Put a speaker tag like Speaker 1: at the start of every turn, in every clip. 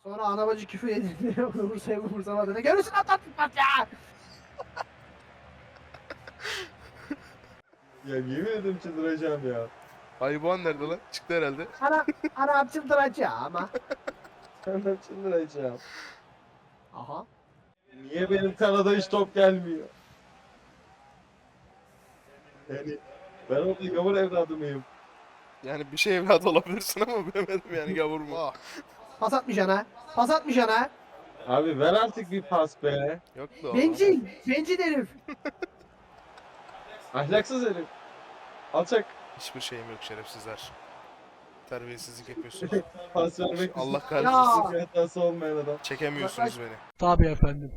Speaker 1: Sonra ana bacı küfür edildi. Onu vursayım vursamadı. Ne görürsün atlattık bak ya.
Speaker 2: Ya yemin ederim çıldıracağım ya.
Speaker 3: Ayıboğan nerede lan? Çıktı herhalde.
Speaker 1: Ana çıldıracağım ama.
Speaker 2: Ben çıldıracağım.
Speaker 1: Aha.
Speaker 2: Niye benim kanada hiç top gelmiyor? Yani ben orada gavur evladı mıyım?
Speaker 3: Yani bir şey evladı olabilirsin ama bilemedim yani gavur mu?
Speaker 1: Oh. Pas atmayacaksın ha. Pas atmayacaksın ha.
Speaker 2: Abi ver artık bir pas be.
Speaker 3: Yok be oğlum.
Speaker 1: Bencil. Bencil herif.
Speaker 2: Ahlaksız herif. Alçak.
Speaker 3: Hiçbir şeyim yok şerefsizler. Terbiyesizlik yapıyorsunuz.
Speaker 2: Pas vermek
Speaker 3: Allah
Speaker 1: Ya.
Speaker 3: kahretsin.
Speaker 2: bir hatası olmayan adam.
Speaker 3: Çekemiyorsunuz beni.
Speaker 4: Tabii efendim.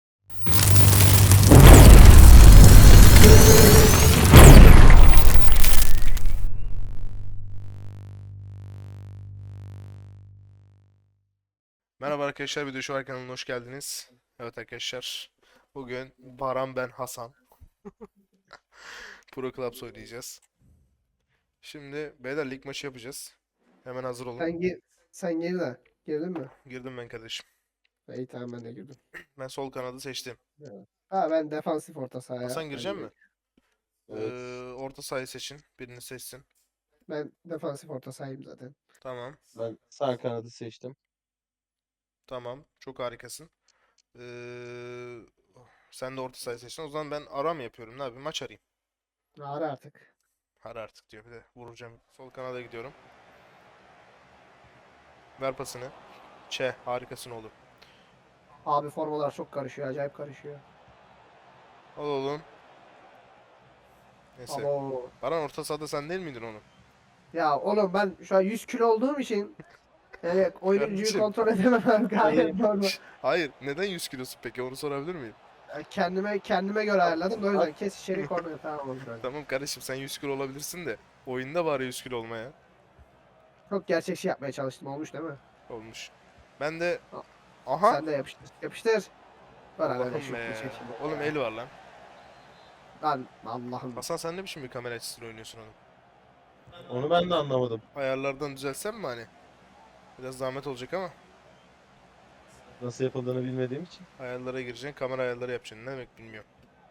Speaker 3: Merhaba arkadaşlar, Video Show kanalına hoş geldiniz. Evet arkadaşlar, bugün Baran ben Hasan Pro Clubs oynayacağız. Şimdi beyler lig maçı yapacağız. Hemen hazır olun.
Speaker 1: Sen gir de. Girdin mi?
Speaker 3: Girdim ben kardeşim.
Speaker 1: İyi tamam ben de girdim.
Speaker 3: Ben sol kanadı seçtim.
Speaker 1: Evet. Ha ben defansif orta sahaya.
Speaker 3: Hasan girecek mi?
Speaker 2: Evet.
Speaker 3: Orta sahayı seçin. Birini seçsin.
Speaker 1: Ben defansif orta sahayım zaten.
Speaker 3: Tamam.
Speaker 2: Ben sağ kanadı seçtim.
Speaker 3: Tamam. Çok harikasın. Ee, Sen de orta sahayı seçtin. O zaman ben ara mı yapıyorum? Ne yapayım? Maç arayayım.
Speaker 1: Ara artık.
Speaker 3: Ara artık diyor. Bir de vuracağım. Sol kanada gidiyorum. Ver pasını. Harikasın oğlum.
Speaker 1: Abi formalar çok karışıyor. Acayip karışıyor.
Speaker 3: Al oğlum. Neyse.
Speaker 1: Abo.
Speaker 3: Baran orta sahada sen değil miydin oğlum?
Speaker 1: Ya oğlum ben şu an 100 kilo olduğum için yani oyuncuyu
Speaker 3: Kardeşim.
Speaker 1: kontrol edemem gayet normal.
Speaker 3: Hayır. Neden 100 kilosun peki? Onu sorabilir miyim?
Speaker 1: Yani kendime göre ayarladım da o yüzden kes içeri korner tamam olur öyle.
Speaker 3: Tamam kardeşim sen 100 kilo olabilirsin de. Oyunda bari 100 kilo olmaya.
Speaker 1: Çok gerçekçi yapmaya çalıştım olmuş değil mi?
Speaker 3: Olmuş. Ben de...
Speaker 1: Al.
Speaker 3: Aha.
Speaker 1: Sen de yapıştır. Yapıştır. Var öyle
Speaker 3: Allah'ım
Speaker 1: şut
Speaker 3: be.
Speaker 1: bir şekilde.
Speaker 3: Oğlum el var lan.
Speaker 1: Lan Allah'ım.
Speaker 3: Hasan sen ne biçim bir kamera açısıyla oynuyorsun oğlum?
Speaker 2: Onu ben de anlamadım.
Speaker 3: Ayarlardan düzelsem mi hani? Biraz zahmet olacak ama.
Speaker 2: Nasıl yapıldığını bilmediğim için.
Speaker 3: Ayarlara gireceksin, kamera ayarları yapacaksın. Ne demek bilmiyorum.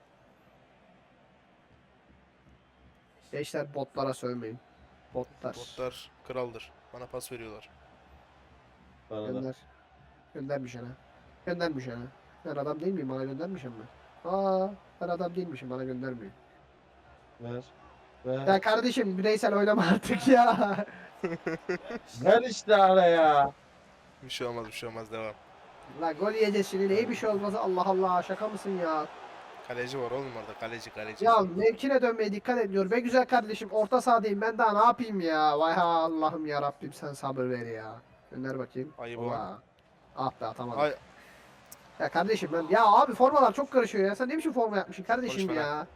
Speaker 1: Gençler botlara sövmeyin. Botlar.
Speaker 3: Botlar kraldır. Bana pas veriyorlar.
Speaker 2: Bana da.
Speaker 1: Gönder. Göndermiş ana. Göndermiş ana. Ben adam değil miyim? Bana göndermişim mi? Aa, ben adam değilmişim. Bana göndermiyor.
Speaker 2: Ver. Ver.
Speaker 1: Ya kardeşim bireysel oynama artık ya.
Speaker 2: Ver işte araya.
Speaker 3: Bir şey olmaz, bir şey olmaz. Devam.
Speaker 1: La gol yiyeceğiz şimdi. Neye bir şey olmaz. Allah Allah. Şaka mısın ya?
Speaker 3: Kaleci var oğlum orada. Kaleci.
Speaker 1: Ya mevkine dönmeye dikkat ediyor. Be güzel kardeşim. Orta sahadayım. Ben daha ne yapayım ya? Vay ha Allah'ım ya Rabbim sen sabır ver ya. Gönder bakayım.
Speaker 3: Ayıp
Speaker 1: Ola. Ah be atamadım.
Speaker 3: Ay,
Speaker 1: Ya kardeşim ben ya abi formalar çok karışıyor ya. Sen ne biçim forma yapmışsın kardeşim
Speaker 3: Konuşma lan.
Speaker 1: ya?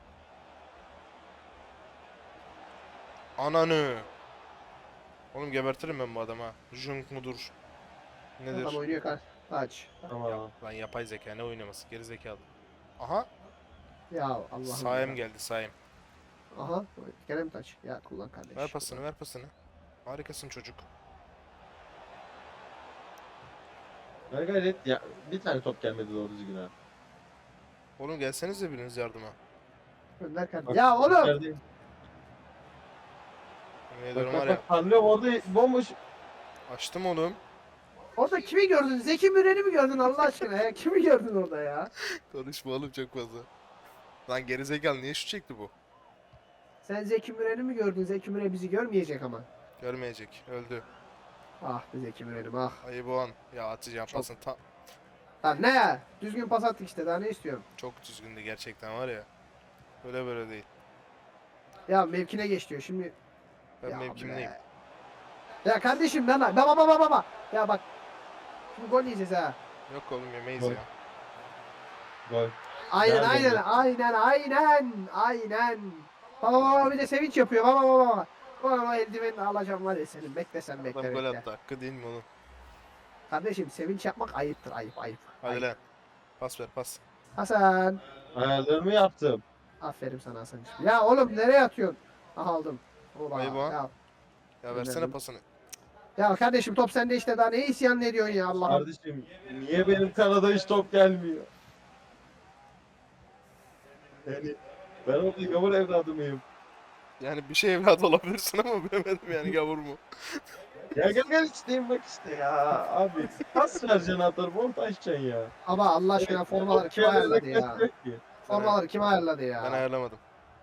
Speaker 3: ananı. Oğlum gebertirim ben bu adama. Junk mudur? Nedir?
Speaker 1: Adam oynuyor kaç. Aç.
Speaker 2: Tamam.
Speaker 3: Lan yapay zeka ne oynaması? Geri zekalı. Aha.
Speaker 1: Ya Allah'ım
Speaker 3: Saim
Speaker 1: ya.
Speaker 3: geldi Saim.
Speaker 1: Aha. Gene mi taç? Ya kullan kardeş.
Speaker 3: Ver pasını, ver pasını. Harikasın çocuk.
Speaker 2: Ver gayret. Ya bir tane top gelmedi doğru düzgün ha.
Speaker 3: Oğlum gelsenize biriniz yardıma.
Speaker 1: Gönder kardeş.
Speaker 2: Bak,
Speaker 1: Ya oğlum.
Speaker 2: içerideyim.
Speaker 3: Yemin
Speaker 2: Bak
Speaker 3: ediyorum
Speaker 2: bak
Speaker 3: var
Speaker 2: bak
Speaker 3: ya.
Speaker 2: parlıyorum orada bomboş.
Speaker 3: Açtım oğlum.
Speaker 1: Orada kimi gördün? Zeki Müren'i mi gördün Allah aşkına ya? Kimi gördün orada ya?
Speaker 3: Konuşma oğlum çok fazla. Lan geri zekalı niye şu çekti bu?
Speaker 1: Sen Zeki Müren'i mi gördün? Zeki Müren bizi görmeyecek ama.
Speaker 3: Görmeyecek. Öldü.
Speaker 1: Ah be Zeki Müren'im ah.
Speaker 3: Ayı boğan. Ya atacağım
Speaker 1: Çok-
Speaker 3: pasını.
Speaker 1: Lan ne ya? Düzgün pas attık işte daha ne istiyorum?
Speaker 3: Çok düzgündü gerçekten var ya. Böyle değil.
Speaker 1: Ya mevkine geç diyor şimdi.
Speaker 3: Ben
Speaker 1: Ya
Speaker 3: mevkimdeyim.
Speaker 1: be. Ya kardeşim lan baba. Ya bak. Şimdi gol yiyeceğiz ha.
Speaker 3: Yok oğlum yemeyiz
Speaker 2: Gol.
Speaker 3: ya.
Speaker 2: Gol.
Speaker 1: Aynen
Speaker 2: Nerede
Speaker 1: aynen. Baba bir de sevinç yapıyor baba. O eldivenini alacağım var ya senin beklesen bekle
Speaker 3: Adam gol
Speaker 1: bekle.
Speaker 3: attı. Hakkı değil mi oğlum?
Speaker 1: Kardeşim sevinç yapmak ayıptır ayıp.
Speaker 3: Hadi
Speaker 1: Ayıp.
Speaker 3: lan. Pas ver pas.
Speaker 1: Hasan.
Speaker 2: Ayarlarımı yaptım.
Speaker 1: Aferin sana Hasan'cığım. Ya oğlum nereye atıyorsun? Aha aldım. Ola,
Speaker 3: Ayıp o.
Speaker 1: ya.
Speaker 3: Ya versene
Speaker 1: Gönderdim.
Speaker 3: pasını.
Speaker 1: Ya kardeşim top sende işte daha ne isyan ediyorsun ya Allah'ım.
Speaker 2: Kardeşim niye benim kanada hiç top gelmiyor? Yani ben orada gavur evladı mıyım?
Speaker 3: Yani bir şey evladı olabilirsin ama bilemedim yani gavur mu?
Speaker 2: Ya gel isteyeyim bak işte ya abi. Pas vereceksin atarım orta açacaksın ya.
Speaker 1: Ama Allah aşkına formaları kim ayarladı ya?
Speaker 2: Yok ki.
Speaker 1: Formaları kim ayarladı
Speaker 3: Ben
Speaker 1: ya?
Speaker 3: ayarlamadım.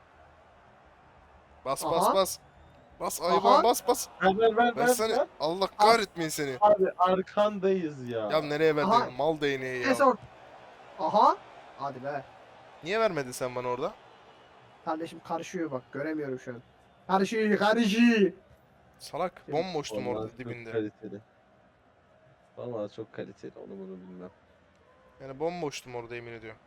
Speaker 3: Bas bas
Speaker 1: Aha.
Speaker 3: bas. Bas
Speaker 1: Aha.
Speaker 3: Ayıban bas bas.
Speaker 2: Ver.
Speaker 3: Versene. Allah kahretmeyin seni.
Speaker 2: Abi arkandayız ya.
Speaker 3: Ya nereye verdin?
Speaker 1: Aha.
Speaker 3: Mal değneği
Speaker 1: En
Speaker 3: ya.
Speaker 1: son. Aha. Hadi be.
Speaker 3: Niye vermedin sen bana orada?
Speaker 1: Kardeşim karışıyor bak göremiyorum şu an. Karışıyor.
Speaker 3: Salak. Bomboştum
Speaker 2: Vallahi
Speaker 3: orada
Speaker 2: çok
Speaker 3: dibinde.
Speaker 2: kaliteli. Vallahi çok kaliteli onu bunu bilmem.
Speaker 3: Yani bomboştum orada yemin ediyorum.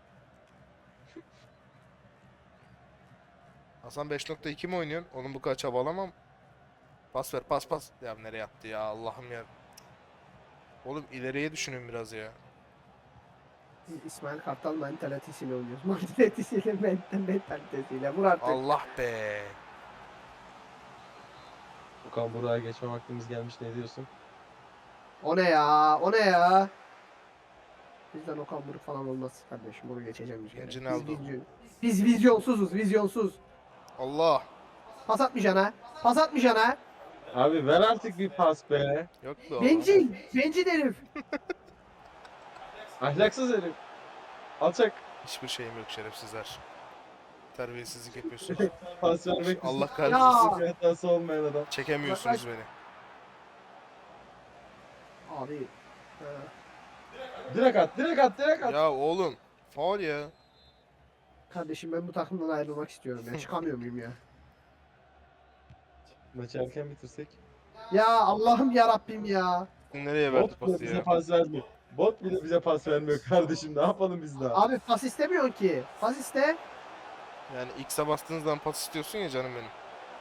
Speaker 3: Hasan 5.2 mi oynuyorsun? Oğlum bu kadar çabalamam. Pas ver pas. Ya nereye attı ya Allah'ım ya. Oğlum ileriye düşünün biraz ya.
Speaker 1: İsmail Kartal mentalitesiyle oynuyoruz. Mentalitesiyle. Vur artık.
Speaker 3: Allah be.
Speaker 2: Okan buraya geçme vaktimiz gelmiş ne diyorsun?
Speaker 1: O ne ya? O ne ya? Bizden Okan Buruk falan olmaz kardeşim. Bunu geçeceğim bir kere.
Speaker 3: Ronaldo.
Speaker 1: Biz vizyonsuzuz. Vizyonsuz.
Speaker 3: Allah.
Speaker 1: Pas atmayacaksın ha. Pas atmayacaksın ha.
Speaker 2: Abi ver artık bir pas be.
Speaker 3: Yok be oğlum.
Speaker 1: Bencil. Bencil herif.
Speaker 2: Ahlaksız herif. Alçak.
Speaker 3: Hiçbir şeyim yok şerefsizler. Terbiyesizlik yapıyorsunuz.
Speaker 2: Pas vermek
Speaker 3: Allah
Speaker 2: için
Speaker 3: kahretsin.
Speaker 2: bir hatası olmayan adam.
Speaker 3: Çekemiyorsunuz beni.
Speaker 1: Abi.
Speaker 2: Direkt at.
Speaker 3: Ya oğlum. Faul ya.
Speaker 1: Kardeşim ben bu takımdan ayrılmak istiyorum ya. Çıkamıyor muyum ya?
Speaker 2: Maçı erken bitirsek.
Speaker 1: Ya Allah'ım ya Rabbim ya.
Speaker 3: Nereye verdi
Speaker 2: Bot bile
Speaker 3: pası
Speaker 2: bize
Speaker 3: ya?
Speaker 2: pas vermiyor. Bot bile bize pas vermiyor kardeşim. Ne yapalım biz daha?
Speaker 1: Abi pas istemiyorsun ki. Pas iste.
Speaker 3: Yani X'e bastığın zaman pas istiyorsun ya canım benim.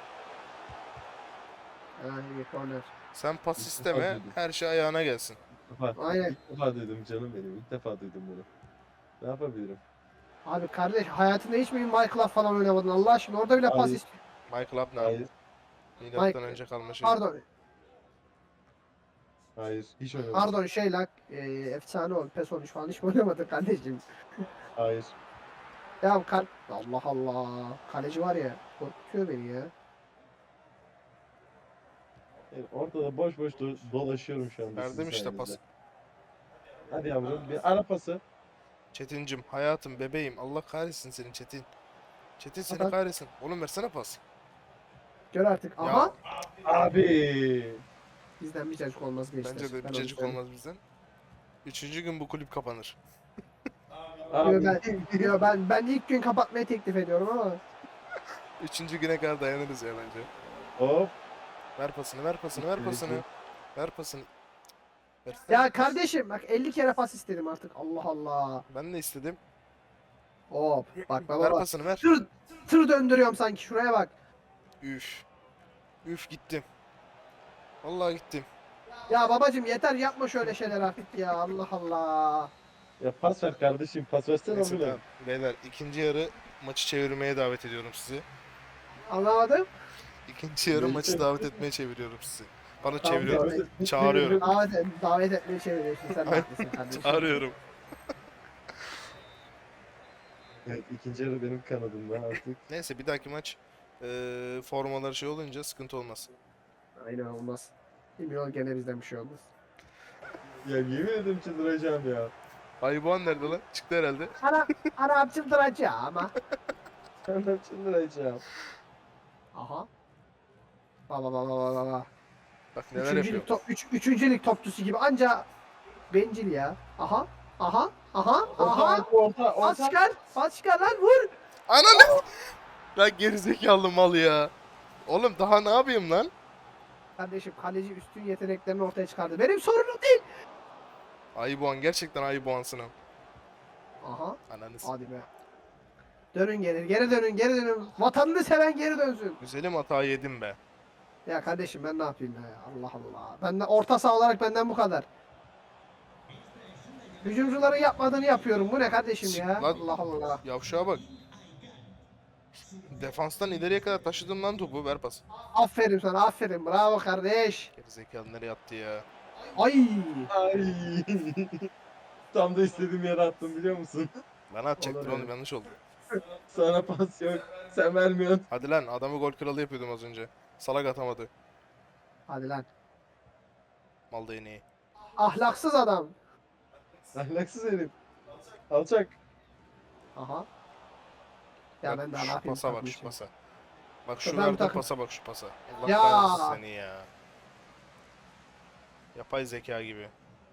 Speaker 1: Ha, iyi corner.
Speaker 3: Sen pas
Speaker 2: İlk
Speaker 3: isteme,
Speaker 2: defa duydum.
Speaker 3: her şey ayağına gelsin.
Speaker 1: Aynen.
Speaker 2: İlk defa duydum canım benim. İlk defa duydum bunu. Ne yapabilirim?
Speaker 1: Abi kardeş hayatında hiç mi Michael'a falan oynamadın Allah aşkına? Orada bile pas
Speaker 2: Hayır.
Speaker 1: istiyor.
Speaker 3: Michael Up ne
Speaker 2: Hayır.
Speaker 3: yaptı? Milattan
Speaker 1: Mike-
Speaker 3: önce kalma şey.
Speaker 1: Pardon.
Speaker 2: Hayır. Hiç oynamadım.
Speaker 1: Pardon şey lan. Efsane ol. PES 13 falan hiç mi oynamadın kardeşim?
Speaker 2: Hayır.
Speaker 1: Ya Allah Allah. Kaleci var ya. Korkutuyor beni ya.
Speaker 2: Yani ortada boş dolaşıyorum şu anda.
Speaker 3: Verdim
Speaker 2: sizin
Speaker 3: işte
Speaker 2: sayenizde.
Speaker 3: pas.
Speaker 2: Hadi yavrum bir ara pası.
Speaker 3: Çetincim, hayatım, bebeğim. Allah kahretsin seni Çetin. Çetin seni
Speaker 1: Adam-
Speaker 3: kahretsin. Oğlum versene pas.
Speaker 1: Gör artık.
Speaker 3: Ya,
Speaker 1: Aha.
Speaker 2: Abi.
Speaker 1: Bizden bir cacık olmaz gençler.
Speaker 3: Bence de
Speaker 1: Ben
Speaker 3: bir
Speaker 1: onu
Speaker 3: cacık
Speaker 1: söyleyeyim.
Speaker 3: olmaz bizden. Üçüncü gün bu kulüp kapanır.
Speaker 2: Abi.
Speaker 1: Ben ilk gün kapatmayı teklif ediyorum ama.
Speaker 3: Üçüncü güne kadar dayanırız ya bence.
Speaker 2: Hop.
Speaker 3: Ver pasını, ver pasını, ver pasını. Ver pasını. Ver.
Speaker 1: Ya kardeşim bak 50 kere pas istedim artık. Allah Allah.
Speaker 3: Ben de istedim.
Speaker 1: Hop. Bak
Speaker 3: Ver
Speaker 1: baba bak.
Speaker 3: pasını ver.
Speaker 1: Tır döndürüyorum sanki şuraya bak.
Speaker 3: Üf. Üf gittim. Vallahi gittim.
Speaker 1: Ya babacım yeter yapma şöyle şeyler artık ya. Allah Allah.
Speaker 2: Ya pas ver kardeşim. Pas versene
Speaker 3: Neyse
Speaker 2: oğlum.
Speaker 3: tamam. Beyler ikinci yarı maçı çevirmeye davet ediyorum sizi.
Speaker 1: Anlamadım.
Speaker 3: İkinci yarı
Speaker 2: Neyse.
Speaker 3: maçı davet etmeye çeviriyorum sizi. Bana
Speaker 1: Tamam,
Speaker 3: çeviriyorum.
Speaker 1: davet-
Speaker 3: Çağırıyorum.
Speaker 1: Davet etmeye çeviriyorsun sen de
Speaker 3: Aynen.
Speaker 1: haklısın kardeşim.
Speaker 3: Çağırıyorum.
Speaker 2: Evet, ikinci yarı benim kanadımda artık.
Speaker 3: Neyse bir dahaki maç formaları şey olunca sıkıntı olmaz.
Speaker 1: Aynen olmaz. Bilmiyorum gene bizden bir şey olmaz.
Speaker 2: Ya yemin ederim çıldıracağım ya.
Speaker 3: Ayıboğan nerede lan? Çıktı herhalde.
Speaker 1: Ana çıldıracağım ama.
Speaker 2: Ben çıldıracağım.
Speaker 1: Aha. Baba.
Speaker 3: Bak neler yapıyor.
Speaker 1: Üçüncülük topçusu gibi anca bencil ya. Aha.
Speaker 2: Orta.
Speaker 1: Pas çıkar lan vur.
Speaker 3: Ananı! Lan gerizekalı mal ya. Oğlum daha ne yapayım lan?
Speaker 1: Kardeşim kaleci üstün yeteneklerini ortaya çıkardı. Benim sorunum değil.
Speaker 3: Ayıboğan gerçekten Ayıboğansın ha.
Speaker 1: Aha.
Speaker 3: Ananız.
Speaker 1: Hadi be. Dönün geri dönün. Vatanını seven geri dönsün.
Speaker 3: Güzelim hata yedim be.
Speaker 1: Ya kardeşim ben ne yapayım ya? Allah Allah. Benden orta saha olarak benden bu kadar. Hücumcuların yapmadığını yapıyorum. Bu ne kardeşim ya?
Speaker 3: Lan-
Speaker 1: Allah Allah.
Speaker 3: Yavşağa bak. Defanstan ileriye kadar taşıdım lan topu. Ver pas.
Speaker 1: Aferin sana aferin. Bravo kardeş.
Speaker 3: Gerizekalı nereye attı ya?
Speaker 1: Ay.
Speaker 2: Ay. Tam da istediğim yere attım biliyor musun?
Speaker 3: Bana atacaktın
Speaker 1: Olur
Speaker 3: oğlum,
Speaker 1: öyle.
Speaker 3: yanlış oldu.
Speaker 2: Sana pas yok. Sen vermiyorsun.
Speaker 3: Hadi lan, adamı gol kralı yapıyordum az önce. Salak atamadı.
Speaker 1: Hadi lan.
Speaker 3: Mal değneği.
Speaker 1: Ahlaksız adam.
Speaker 2: Ahlaksız herif. Alçak.
Speaker 1: Aha. Ya
Speaker 3: Bak,
Speaker 1: ben daha ne
Speaker 3: şu
Speaker 1: yapayım?
Speaker 3: pasa bak, şu
Speaker 1: takmışım.
Speaker 3: pasa. Bak şu
Speaker 1: Ben bir
Speaker 3: verdiğin
Speaker 1: takım-
Speaker 3: pasa bak, şu pasa. Allah
Speaker 1: Ya.
Speaker 3: kahretsin seni ya. Yapay zeka gibi.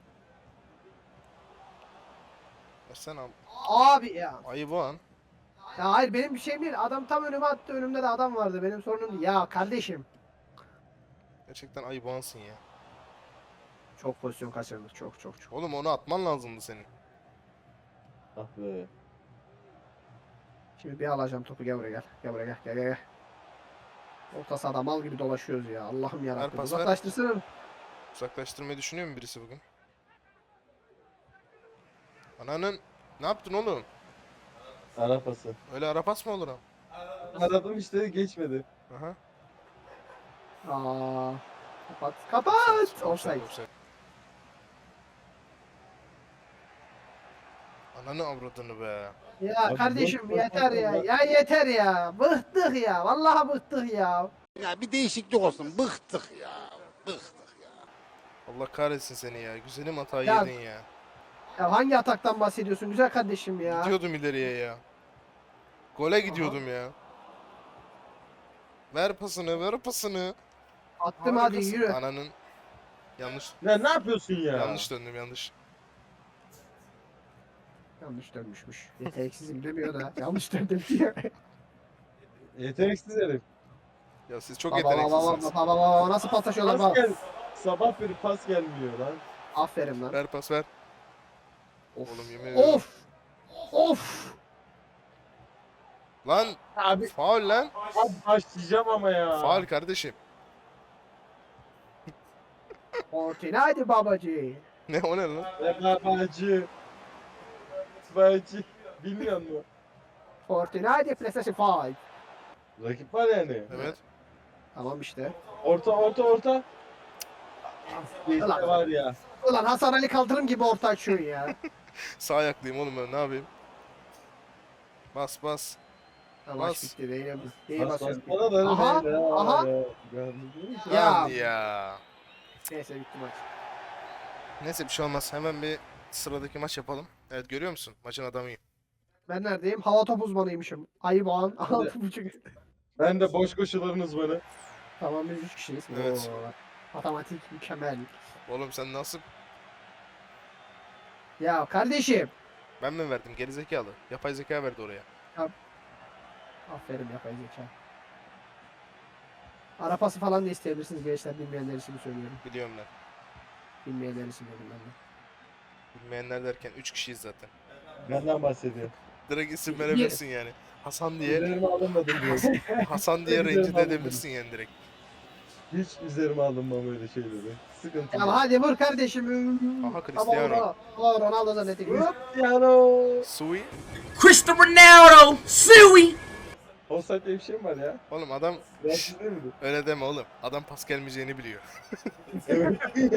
Speaker 3: Versene abi.
Speaker 1: Abi ya.
Speaker 3: Ayı bu an.
Speaker 1: Ya hayır benim bir şeyim değil. Adam tam önüme attı. Önümde de adam vardı. Benim sorunum değil. Ya kardeşim.
Speaker 3: Gerçekten ayı bu ansın ya.
Speaker 1: Çok pozisyon kaçırdık. Çok çok çok.
Speaker 3: Oğlum onu atman lazımdı senin.
Speaker 2: Ah be.
Speaker 1: Şimdi bir alacağım topu. Gel buraya gel. Gel buraya gel. Gel gel gel. Orta sahada mal gibi dolaşıyoruz ya. Allah'ım yarabbim.
Speaker 3: pas ver.
Speaker 1: Uzaklaştırsana.
Speaker 3: Uzaklaştırmayı düşünüyor mu birisi bugün? Ananın... Ne yaptın oğlum?
Speaker 2: Ara pası.
Speaker 3: Öyle ara pas mı olur ha?
Speaker 2: Aradım işte geçmedi.
Speaker 3: Aha.
Speaker 1: Aa. Kapat. Kapat. Offside.
Speaker 3: Offside. Ananı avradını be.
Speaker 1: Ya
Speaker 2: Abi,
Speaker 1: kardeşim
Speaker 2: boş
Speaker 1: yeter ya.
Speaker 2: konuşma.
Speaker 1: Ya yeter ya. Bıktık ya. Vallahi bıktık ya.
Speaker 4: Ya bir değişiklik olsun. Bıktık ya. Bıktık.
Speaker 3: Allah kahretsin seni ya. Güzelim hatayı
Speaker 1: Ya-
Speaker 3: yedin ya.
Speaker 1: Ya hangi ataktan bahsediyorsun güzel kardeşim ya?
Speaker 3: Gidiyordum ileriye ya. Gole gidiyordum ya. Ver pasını, ver pasını.
Speaker 1: Attım hadi
Speaker 3: Harikasın.
Speaker 1: yürü.
Speaker 3: Ananın... Yanlış.
Speaker 2: Ya ne yapıyorsun ya?
Speaker 3: Yanlış döndüm, yanlış.
Speaker 1: Yanlış dönmüşmüş. Yeteneksizim demiyor da yanlış döndüm diyor.
Speaker 2: Yeteneksiz herif.
Speaker 3: Ya siz çok
Speaker 1: Baba baba
Speaker 3: yeteneksizsiniz.
Speaker 1: baba baba nasıl paslaşıyorlar
Speaker 2: Pas
Speaker 1: bak.
Speaker 2: gel. Sabah beri pas gelmiyor lan.
Speaker 1: Aferin lan.
Speaker 3: Ver pas ver.
Speaker 1: Of.
Speaker 3: Oğlum yemin ediyorum.
Speaker 1: Of. Of.
Speaker 3: Lan
Speaker 2: Abi,
Speaker 3: faul lan.
Speaker 2: abi başlayacağım ama ya.
Speaker 3: Faul kardeşim.
Speaker 1: Fortnite babacı.
Speaker 3: Ne o ne lan?
Speaker 2: Babacı. Babacı. Bilmiyor musun?
Speaker 1: Fortnite PlayStation 5.
Speaker 2: Rakip var yani.
Speaker 3: Evet.
Speaker 1: Tamam işte.
Speaker 2: Orta. İşte
Speaker 1: Ulan.
Speaker 2: var ya.
Speaker 1: Ulan Hasan Ali Kaldırım gibi orta açıyorsun ya.
Speaker 3: Sağ ayaklıyım oğlum ben, ne yapayım? Bas bas.
Speaker 1: Maç
Speaker 3: Bas.
Speaker 1: bitti değil mi? İyi basıyorsun.
Speaker 2: Bana da
Speaker 1: Aha,
Speaker 2: öyle ya.
Speaker 1: aha. Ya.
Speaker 3: Lan ya.
Speaker 1: Neyse bitti maç.
Speaker 3: Neyse bir şey olmaz. Hemen bir sıradaki maç yapalım. Evet, görüyor musun? Maçın adamıyım.
Speaker 1: Ben neredeyim? Hava top uzmanıymışım. Ayı bağın. 6.5.
Speaker 2: Ben de boş koşuların uzmanı.
Speaker 1: Tamam biz 3 kişiyiz.
Speaker 3: Evet.
Speaker 1: Oo, matematik mükemmel.
Speaker 3: Oğlum sen nasıl...
Speaker 1: Ya kardeşim.
Speaker 3: Ben mi verdim? Gerizekalı. Yapay zeka verdi oraya.
Speaker 1: Aferin yapay zeka. Ara pası falan da isteyebilirsiniz gençler. Bilmeyenler için söylüyorum.
Speaker 3: Biliyorum ben.
Speaker 1: Bilmeyenler için dedim ben de.
Speaker 3: Bilmeyenler derken 3 kişiyiz zaten.
Speaker 2: Benden bahsediyor.
Speaker 3: Direkt isim verebilirsin yani. Hasan diye,
Speaker 2: Üzerime alınmadım diyor.
Speaker 3: Hasan diye
Speaker 2: Üzerime
Speaker 3: rencide
Speaker 2: alınmadım.
Speaker 3: edebilirsin yani direkt.
Speaker 2: Hiç üzerime alınmam öyle şeyleri. Sıkıntı
Speaker 1: Ya
Speaker 2: yok.
Speaker 1: hadi vur kardeşim.
Speaker 3: Aha, Cristiano.
Speaker 1: Ronaldo zannettik. Hop.
Speaker 2: Cristiano.
Speaker 3: Sui.
Speaker 5: Cristiano Ronaldo, Suey.
Speaker 2: Offside diye bir şey mi var ya?
Speaker 3: Oğlum adam...
Speaker 2: Rahatsız değil miydi?
Speaker 3: Öyle deme oğlum. Adam pas gelmeyeceğini biliyor.
Speaker 2: Evet.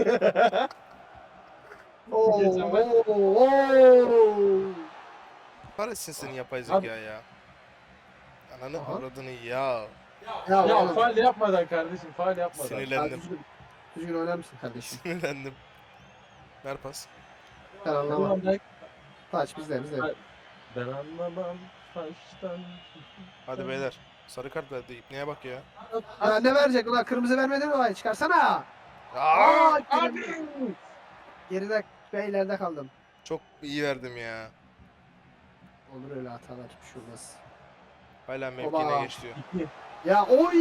Speaker 1: Oo,
Speaker 2: Geçen maç-
Speaker 1: oo.
Speaker 3: Kahretsin senin yapay zeka ya. Ananı
Speaker 1: Aha.
Speaker 3: avradını ya.
Speaker 1: Ya,
Speaker 2: Ya
Speaker 1: oğlum.
Speaker 2: faul yapmadan kardeşim faul yapmadan.
Speaker 1: Ya,
Speaker 3: Sinirlendim.
Speaker 1: düzgün oynar mısın kardeşim?
Speaker 3: Sinirlendim. Ver pas.
Speaker 1: Ben anlamam.
Speaker 2: Ulan
Speaker 1: Taç bizde.
Speaker 2: ben anlamam baştan.
Speaker 3: Hadi beyler. Sarı kart verdi. İpneye bak ya.
Speaker 1: Ya ne verecek ulan? Kırmızı vermedi mi? Vay çıkarsana.
Speaker 3: Aa!
Speaker 1: Geride beylerde kaldım.
Speaker 3: Çok iyi verdim ya.
Speaker 1: Olur öyle hatalar. Hiçbir şey olmaz.
Speaker 3: Hala
Speaker 1: Oba.
Speaker 3: mevkine geç diyor.
Speaker 1: Ya oy!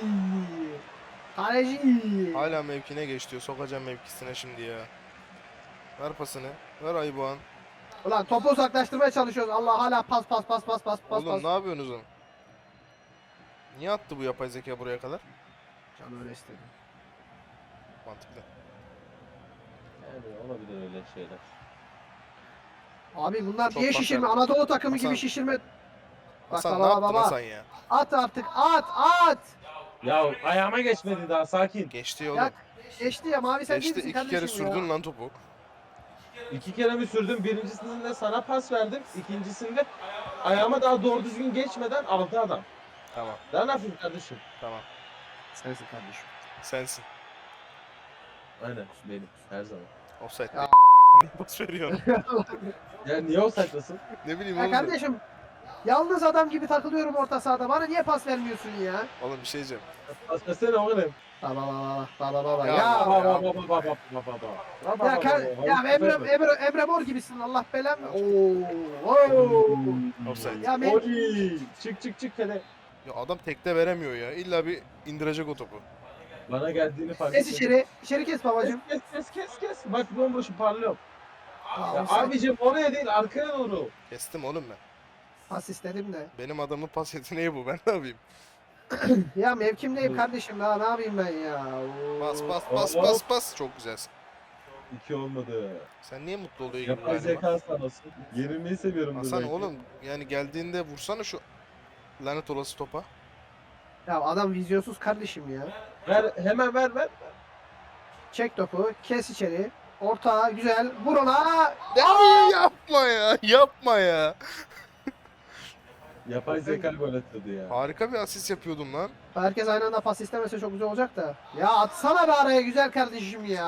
Speaker 1: Kaleci!
Speaker 3: Hala mevkine geç diyor. Sokacağım mevkisine şimdi ya. Ver pasını. Ver Ayboğan.
Speaker 1: Ulan topu uzaklaştırmaya çalışıyoruz. Allah hala pas.
Speaker 3: Oğlum ne yapıyorsunuz oğlum? Niye attı bu yapay zeka buraya kadar?
Speaker 1: Canım öyle istedi.
Speaker 3: Mantıklı.
Speaker 2: Yani olabilir öyle şeyler.
Speaker 1: Abi bunlar
Speaker 3: Çok
Speaker 1: niye
Speaker 3: pas
Speaker 1: şişirme?
Speaker 3: verdim.
Speaker 1: Anadolu takımı
Speaker 3: Hasan.
Speaker 1: gibi şişirme.
Speaker 3: Hasan ne
Speaker 1: baba,
Speaker 3: yaptın
Speaker 1: baba.
Speaker 3: Hasan ya?
Speaker 1: At artık at.
Speaker 2: Ya ayağıma geçmedi daha sakin.
Speaker 3: Geçti oğlum.
Speaker 1: Ya geçti ya mavi sen
Speaker 3: Geçti,
Speaker 1: değil misin
Speaker 3: 2 kere
Speaker 1: kardeşim ya?
Speaker 3: sürdün lan topu.
Speaker 2: 2 kere mi sürdüm? Birincisinde sana pas verdim. İkincisinde ayağıma daha doğru düzgün geçmeden aldı adam.
Speaker 3: Tamam,
Speaker 2: Daha ne yapayım kardeşim?
Speaker 3: tamam.
Speaker 1: Sensin kardeşim.
Speaker 3: Sensin.
Speaker 2: Aynen benim her zaman.
Speaker 3: Offside
Speaker 1: Ya.
Speaker 3: değil. Pas veriyorsun.
Speaker 2: Ya niye o saklasın?
Speaker 3: Ne bileyim
Speaker 1: Ya
Speaker 3: oğlum.
Speaker 1: kardeşim yalnız adam gibi takılıyorum orta sahada. Bana niye pas vermiyorsun ya?
Speaker 3: Oğlum bir şey diyeceğim.
Speaker 2: Paslasana oğlum.
Speaker 1: Baba.
Speaker 3: Ya,
Speaker 1: Ya. Ya Emre Mor gibisin Allah belanı. Oo.
Speaker 3: Offside.
Speaker 1: Ya ben
Speaker 2: Oy! Çık hele.
Speaker 3: Ya adam tekte veremiyor ya. İlla bir indirecek o topu.
Speaker 2: Bana geldiğini fark
Speaker 1: kes
Speaker 2: ettim.
Speaker 1: içeri. İçeri kes babacım.
Speaker 2: Kes. Bak bomboşu parlıyorum. Ya
Speaker 1: Offside.
Speaker 2: abicim oraya değil arkaya doğru.
Speaker 3: Kestim oğlum ben.
Speaker 1: Pas istedim de.
Speaker 3: Benim adamın pas yeteneği bu. Ben ne yapayım?
Speaker 1: Ya mevkimdeyim kardeşim daha ne yapayım ben ya.
Speaker 3: Pas. Çok güzelsin.
Speaker 2: 2 olmadı.
Speaker 3: Sen niye mutlu oluyor gibi
Speaker 2: Yapay
Speaker 3: galiba?
Speaker 2: zeka sağ olsun. Yenilmeyi seviyorum.
Speaker 3: Hasan oğlum yani geldiğinde vursana şu lanet olası topa.
Speaker 1: Ya adam vizyonsuz kardeşim ya.
Speaker 2: Hemen ver.
Speaker 1: Çek topu, kes içeri. Orta güzel. Vur ona.
Speaker 3: Yapma ya.
Speaker 2: Yapay zeka gol atıyordu ya.
Speaker 3: Harika bir asist yapıyordum lan.
Speaker 1: Herkes aynı anda pas istemese çok güzel olacak da. Ya atsana be araya güzel kardeşim ya.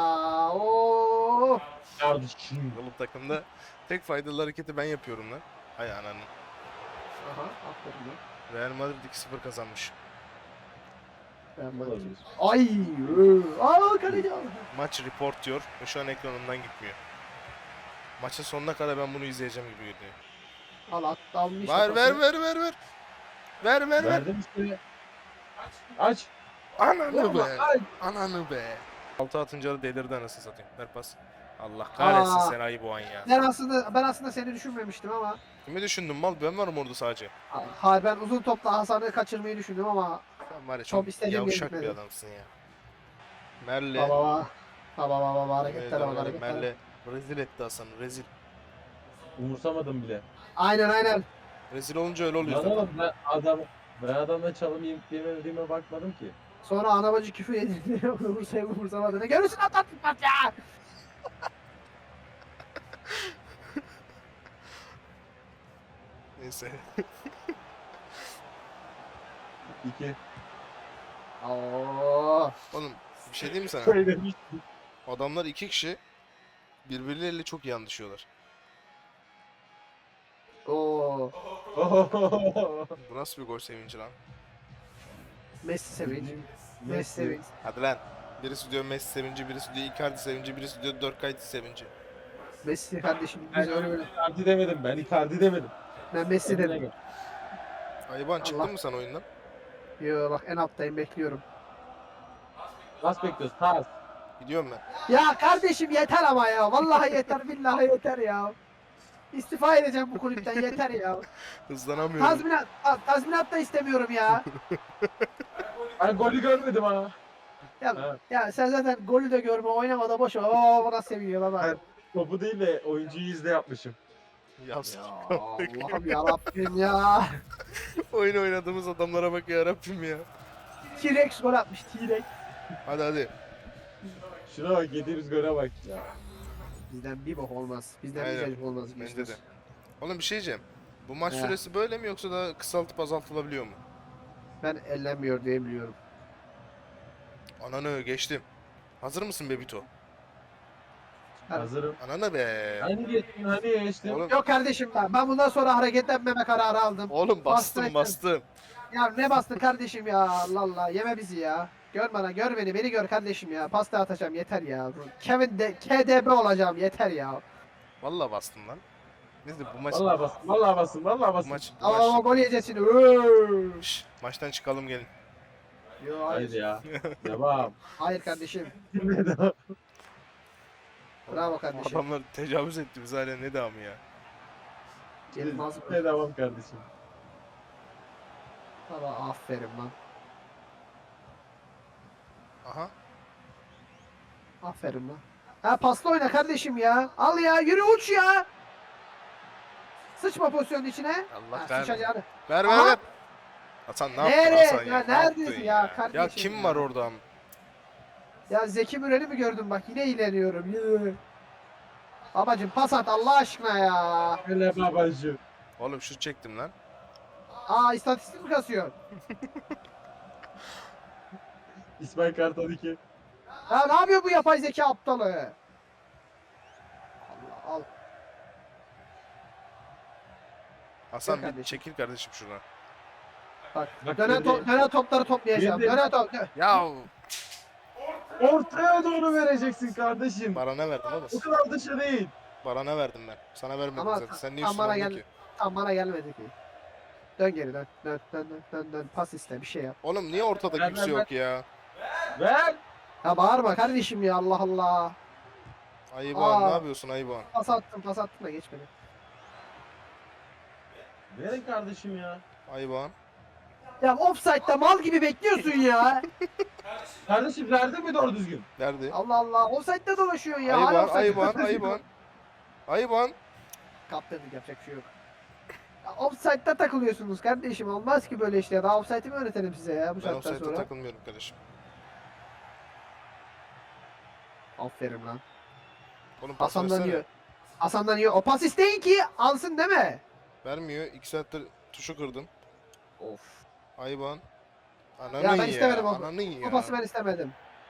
Speaker 1: Oo.
Speaker 2: Kardeşim.
Speaker 3: Oğlum takımda tek faydalı hareketi ben yapıyorum lan. Hay ananı.
Speaker 1: Aha, aferin lan.
Speaker 3: Real Madrid 2-0 kazanmış.
Speaker 1: Ben bak-
Speaker 2: Olabilir.
Speaker 1: Ay. Kaleci aldı.
Speaker 3: Maç report diyor ve şu an ekranımdan gitmiyor. Maçın sonuna kadar ben bunu izleyeceğim gibi geliyor.
Speaker 1: Almış.
Speaker 3: Ver. Ver.
Speaker 2: Verdim işte. Aç.
Speaker 3: Ananı
Speaker 2: Vurma,
Speaker 3: be.
Speaker 2: aç.
Speaker 3: Ananı be. 6 atınca da delirdi anasını satayım. Ver pas. Allah kahretsin
Speaker 1: Aa.
Speaker 3: seni ayı boğan ya.
Speaker 1: Ben aslında seni düşünmemiştim ama.
Speaker 3: Kimi düşündün mal? Ben varım orada sadece.
Speaker 1: Hayır ben uzun topla Hasan'ı kaçırmayı düşündüm ama.
Speaker 3: Sen var ya
Speaker 1: Çok
Speaker 3: çok
Speaker 1: istediğim
Speaker 3: yavşak
Speaker 1: yere
Speaker 3: bir
Speaker 1: gitmedi.
Speaker 3: adamsın ya. Merle.
Speaker 1: Baba hareketlere bak hareketlere.
Speaker 3: Merle. Rezil etti Hasan'ı. Rezil.
Speaker 2: Umursamadım bile.
Speaker 1: Aynen.
Speaker 3: Rezil olunca öyle oluyor
Speaker 2: Lan
Speaker 3: zaten.
Speaker 2: oğlum ben adamla çalım yiyip yemediğime bakmadım ki.
Speaker 1: Sonra ana bacı küfür edildi. Umursamadı. Ne görürsün atlattık maç ya.
Speaker 3: Neyse.
Speaker 2: 2.
Speaker 1: Oo.
Speaker 3: Oğlum bir şey diyeyim mi sana?
Speaker 2: Söylemiştim.
Speaker 3: Adamlar 2 kişi birbirleriyle çok iyi anlaşıyorlar.
Speaker 1: Oo.
Speaker 3: Bu nasıl bir gol sevinci lan?
Speaker 1: Messi sevinç. Messi sevinç.
Speaker 3: Hadi lan. Birisi diyor Messi sevinci, birisi diyor Icardi sevinci, birisi diyor Dörkayt sevinci.
Speaker 1: Messi kardeşim
Speaker 2: Ben
Speaker 1: biz öyle böyle.
Speaker 2: Icardi demedim. Ben Icardi demedim.
Speaker 1: Ben Messi dedim.
Speaker 3: Ayıban çıktın
Speaker 1: Allah.
Speaker 3: mı sen oyundan?
Speaker 1: Yo bak en alttayım bekliyorum.
Speaker 2: Nasıl bekliyoruz? Tas.
Speaker 3: Gidiyorum ben.
Speaker 1: Ya kardeşim yeter ama ya. Vallahi yeter billahi yeter ya. İstifa edeceğim bu kulüpten yeter ya.
Speaker 3: Hızlanamıyorum.
Speaker 1: Tazminat da istemiyorum ya.
Speaker 2: Ben golü görmedim ha.
Speaker 1: Ya,
Speaker 2: Ha.
Speaker 1: ya sen zaten golü de görme oynamada boş ver. Baba nasıl seviyor baba.
Speaker 2: Evet. Topu değil de oyuncuyu izle yapmışım.
Speaker 3: Ya
Speaker 1: Ya Allah'ım yarabbim ya.
Speaker 3: oyun oynadığımız adamlara bak ya Rabbim ya.
Speaker 1: T-Rex gol atmış T-Rex.
Speaker 3: Hadi.
Speaker 2: Şuna bak yediğimiz gole bak ya.
Speaker 1: Bizden bir bok olmaz. Bizden
Speaker 3: Aynen.
Speaker 1: bir cacık olmaz.
Speaker 3: Bence de. Oğlum bir şey diyeceğim. Bu maç
Speaker 1: He.
Speaker 3: süresi böyle mi yoksa da kısaltıp azaltılabiliyor mu?
Speaker 1: Ben ellenmiyor diye biliyorum.
Speaker 3: Ananı geçtim. Hazır mısın Bebito?
Speaker 1: Evet.
Speaker 2: Hazırım.
Speaker 3: Ananı be.
Speaker 2: Hani geçtim.
Speaker 3: Oğlum,
Speaker 1: Yok kardeşim ben bundan sonra hareketlenmeme kararı aldım.
Speaker 3: oğlum bastım.
Speaker 1: Ya ne bastın kardeşim ya Allah Allah yeme bizi ya. Gör beni gör kardeşim ya. Pasta atacağım yeter ya. Kevin de KDB olacağım yeter ya.
Speaker 3: Vallahi bastım lan. Neyse bu maç
Speaker 2: Vallahi basın.
Speaker 3: bu maç
Speaker 1: Ama gol yiyeceğiz şimdi. Öööö.
Speaker 3: maçtan çıkalım gelin.
Speaker 1: Yo, hayır.
Speaker 2: Haydi ya. Devam.
Speaker 1: Hayır kardeşim.
Speaker 2: Devam.
Speaker 1: Bravo kardeşim.
Speaker 3: Adamlar tecavüz etti biz hala ne devamı ya.
Speaker 1: Yılmaz.
Speaker 2: Devam kardeşim.
Speaker 1: Baba aferin lan.
Speaker 3: Aha.
Speaker 1: Aferin lan. Ha pasla oyna kardeşim ya. Al ya yürü uç ya. Sıçma pozisyonun içine.
Speaker 3: Allah
Speaker 1: Ha,
Speaker 3: kahretsin.
Speaker 1: sıçacağını.
Speaker 3: Ver
Speaker 1: Aha.
Speaker 3: ver. Hasan ne yaptın
Speaker 1: Nereye?
Speaker 3: Hasan
Speaker 1: Ya
Speaker 3: ya? Ne
Speaker 1: neredesin
Speaker 3: yaptın
Speaker 1: ya kardeşim
Speaker 3: Ya kim
Speaker 1: ya?
Speaker 3: var orada?
Speaker 1: Ya Zeki Müren'i mi gördün bak yine ilerliyorum. Yürü. Babacım pas at Allah aşkına ya.
Speaker 2: Öyle babacığım.
Speaker 3: Oğlum şut çektim lan.
Speaker 1: Aa istatistik mi kasıyor?
Speaker 2: İsmail Kartal 2.
Speaker 1: Ya ne yapıyor bu yapay zeka aptalı? Allah al.
Speaker 3: Hasan
Speaker 1: Gel
Speaker 3: bir
Speaker 1: kardeşim.
Speaker 3: çekil kardeşim şuradan.
Speaker 1: Bak,
Speaker 2: Bak
Speaker 1: dönen,
Speaker 2: görüyor.
Speaker 1: dönen topları toplayacağım.
Speaker 2: Yedim.
Speaker 1: Dönen top.
Speaker 3: Ya
Speaker 2: Ortaya doğru vereceksin kardeşim.
Speaker 3: Baran'a verdim oğlum.
Speaker 2: O kadar dışa değil.
Speaker 3: Baran'a verdim ben. Sana vermedim
Speaker 1: Ama
Speaker 3: zaten. Sen niye
Speaker 1: tam bana
Speaker 3: üstüne
Speaker 1: gel.
Speaker 3: ki?
Speaker 1: Tam bana gelmedi ki. Dön geri dön. Dön dön dön dön dön. Pas iste bir şey yap.
Speaker 3: Oğlum niye ortada
Speaker 2: Ver,
Speaker 3: kimse
Speaker 2: ver,
Speaker 3: yok ya?
Speaker 2: Ver.
Speaker 1: Ya bağırma kardeşim ya Allah Allah.
Speaker 3: Ayıban
Speaker 1: Aa.
Speaker 3: ne yapıyorsun Ayıban?
Speaker 1: Pas attım da geçmedi.
Speaker 2: Verin kardeşim ya.
Speaker 3: Ayıban.
Speaker 1: Ya offside'da mal gibi bekliyorsun ya.
Speaker 2: Kardeşim verdin mi doğru düzgün?
Speaker 3: Nerede?
Speaker 1: Allah Allah. Offside'da dolaşıyorsun ya. Hala
Speaker 3: Ayıban,
Speaker 1: offside.
Speaker 3: Ayıban, Ayıban. Ayıban.
Speaker 1: Kaptırdık yapacak bir şey yok. Ya offside'da takılıyorsunuz kardeşim. Olmaz ki böyle işte. Daha offside'i mi öğretelim size ya bu
Speaker 3: Ben
Speaker 1: saatten
Speaker 3: offside'e
Speaker 1: sonra?
Speaker 3: takılmıyorum kardeşim.
Speaker 1: Aferin lan.
Speaker 3: Oğlum pas
Speaker 1: Hasan'dan
Speaker 3: versene.
Speaker 1: yiyor. Hasan'dan yiyor. O pas isteyin ki alsın değil mi?
Speaker 3: Vermiyor. 2 saattir tuşu kırdım.
Speaker 1: Of.
Speaker 3: Ayıban. Ananın
Speaker 1: Ya ben istemedim o.
Speaker 3: Ananın ya.
Speaker 1: O pası ben istemedim.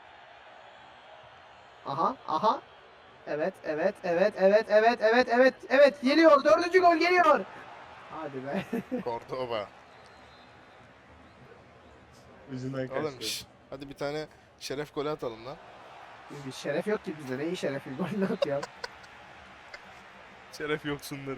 Speaker 1: Aha, aha. Evet, evet, evet, evet, evet, evet, evet, evet. Geliyor. 4. gol geliyor. Hadi be.
Speaker 3: Cordoba.
Speaker 2: Yüzünden
Speaker 3: Oğlum
Speaker 2: kaçtı.
Speaker 3: şş, hadi bir tane şeref golü atalım lan.
Speaker 1: Bir şeref yok ki bizde. Ne iyi şerefi? Gol ne yapıyor?
Speaker 3: Şeref yoksunları.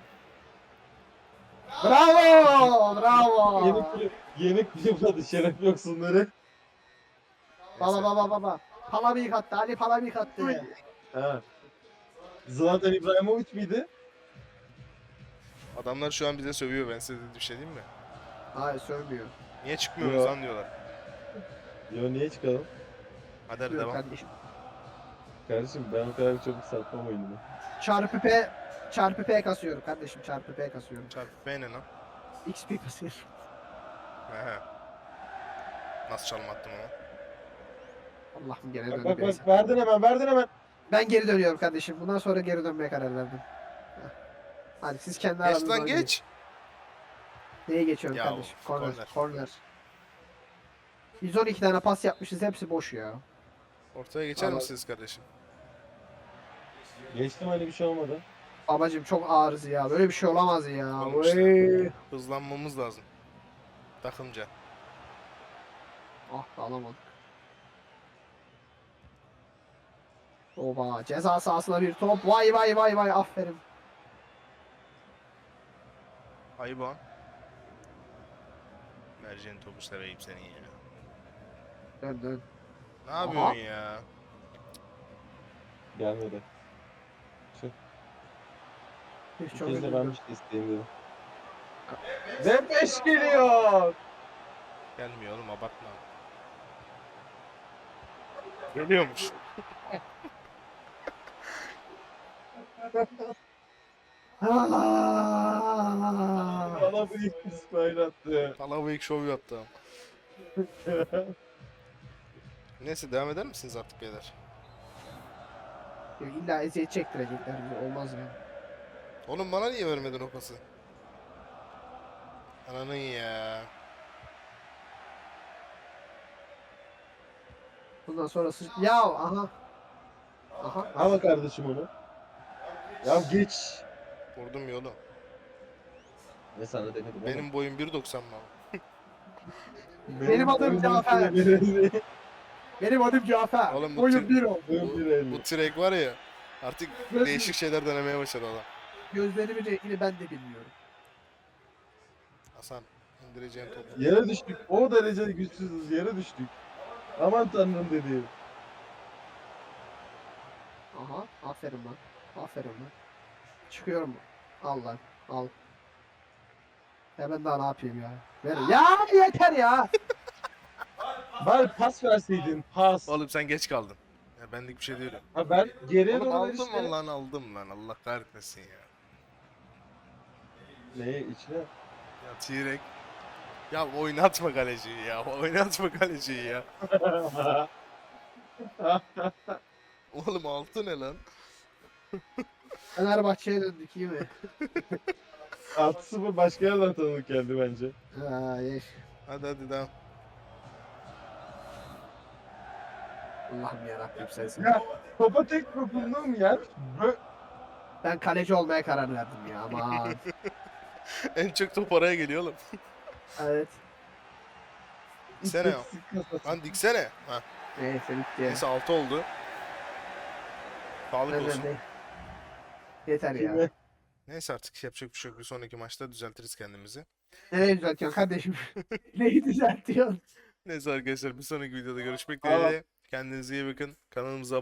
Speaker 1: Bravo! Bravo!
Speaker 2: Yeni kulüp adı şeref yoksunları.
Speaker 1: Baba baba baba. Palamik attı. Ali Palamik attı.
Speaker 2: Ha. Zlatan İbrahimovic miydi?
Speaker 3: Adamlar şu an bize sövüyor, ben size bir şey diyeyim mi?
Speaker 1: Hayır sövmüyor.
Speaker 3: Niye çıkmıyoruz
Speaker 2: Yo.
Speaker 3: lan diyorlar.
Speaker 2: Yo niye çıkalım?
Speaker 3: Hadi hadi
Speaker 1: Yok
Speaker 3: devam.
Speaker 1: kardeşim.
Speaker 2: Kardeşim ben o kadar çok satmam oyunu.
Speaker 1: Çarpı P kasıyorum kardeşim. Çarpı P kasıyorum.
Speaker 3: Çarpı P ne lan?
Speaker 1: XP kasıyorum.
Speaker 3: He. Nasıl çalım attım ama?
Speaker 1: Allah'ım geri
Speaker 2: Bak
Speaker 1: döndü.
Speaker 2: bak
Speaker 1: neyse.
Speaker 2: bak verdin hemen verdin hemen.
Speaker 1: Ben geri dönüyorum kardeşim. Bundan sonra geri dönmeye karar verdim. Heh. Hadi siz kendi
Speaker 3: Geç
Speaker 1: aranızda
Speaker 3: lan
Speaker 1: oynayın.
Speaker 3: geç.
Speaker 1: Neye geçiyorum
Speaker 3: Ya,
Speaker 1: kardeşim? Corner.
Speaker 3: corner.
Speaker 1: Corner. 112 tane pas yapmışız. Hepsi boş ya.
Speaker 3: Ortaya geçer
Speaker 1: Vallahi-
Speaker 3: misiniz kardeşim?
Speaker 2: Geçtim hani bir şey olmadı.
Speaker 1: Babacım çok ağırız ya. Böyle bir şey olamaz ya.
Speaker 3: Oğlum işte.
Speaker 1: Vay.
Speaker 3: Hızlanmamız lazım. Takımca.
Speaker 1: Ah da alamadık. Oba ceza sahasına bir top. Vay vay vay vay aferin.
Speaker 3: Ayıban. Mercan topu seveyim seni ya.
Speaker 1: Dön dön.
Speaker 3: Ne yapıyorsun ya?
Speaker 2: Gelmedi.
Speaker 1: Hiç
Speaker 2: Bir
Speaker 1: çok
Speaker 2: kez de
Speaker 1: üzüldüm.
Speaker 2: ben bir şey isteyeyim dedim. Ve 5 geliyor.
Speaker 3: Gelmiyor oğlum, abartma. Geliyormuş.
Speaker 1: Aa!
Speaker 2: Bana büyük İsmail attı.
Speaker 3: Palavik şov yaptı ama. Neyse devam eder misiniz artık beyler?
Speaker 1: İlla eziyet çektirecekler bizi. Olmaz ya.
Speaker 3: Oğlum bana niye vermedin o pası? Ananın ya.
Speaker 1: Bundan sonrası... Ya aha. Aha.
Speaker 2: Ama kardeşim onu. Ya geç.
Speaker 3: Vurdum ya oğlum.
Speaker 2: Ne sana denedim ama.
Speaker 3: Benim boyum 1.90 mı?
Speaker 1: Benim adım Cafer. Benim adım Cafer.
Speaker 3: Oğlum bu
Speaker 1: Boyum
Speaker 3: tür-
Speaker 1: bir oldu.
Speaker 3: Bu Trek var ya, artık
Speaker 1: Göz-
Speaker 3: değişik şeyler denemeye başladı adam.
Speaker 1: Gözlerimin rengini ben de bilmiyorum.
Speaker 3: Hasan indireceğin topu.
Speaker 2: Yere düştük. O derece güçsüzüz. Yere düştük. Aman tanrım dedi.
Speaker 1: Aha. Aferin lan. Aferin lan. Çıkıyorum. Al lan. Al. Ya ben daha ne yapayım ya? Ver. Ya yeter ya.
Speaker 2: Bari pas verseydin. Pas.
Speaker 3: Oğlum sen geç kaldın. Ya benlik bir şey değil. o.
Speaker 2: Ha ben geriye
Speaker 3: Oğlum
Speaker 2: doğru
Speaker 3: aldım
Speaker 2: işte.
Speaker 3: lan, aldım lan, Allah kahretmesin ya.
Speaker 2: Neyi içine?
Speaker 3: Ya T-Rex. Ya oynatma kaleciyi ya. Oynatma kaleciyi ya. Oğlum altı ne lan?
Speaker 1: Fenerbahçe'ye döndük iyi mi?
Speaker 2: 6-0 başka yerden tanıdık geldi bence.
Speaker 1: Ha, yeş.
Speaker 3: Hadi devam.
Speaker 1: Allah'ım yarabbim sensin.
Speaker 2: Ya topa tek dokunduğum yer
Speaker 1: Ben kaleci olmaya karar verdim ya aman.
Speaker 3: En çok top oraya geliyor oğlum.
Speaker 1: Evet.
Speaker 3: Diksene ya. Lan diksene. Ha.
Speaker 1: Neyse bitti.
Speaker 3: Neyse 6 oldu. Sağlık
Speaker 1: Ben
Speaker 3: olsun.
Speaker 1: de. Yeter ya.
Speaker 2: Kime?
Speaker 3: Neyse artık yapacak bir şey yok. Bir sonraki maçta düzeltiriz kendimizi.
Speaker 1: Nereye düzeltiyorsun kardeşim? Neyi düzeltiyorsun?
Speaker 3: Neyse arkadaşlar bir sonraki videoda görüşmek
Speaker 2: Tamam.
Speaker 3: dileğiyle. Kendinize iyi bakın. Kanalımıza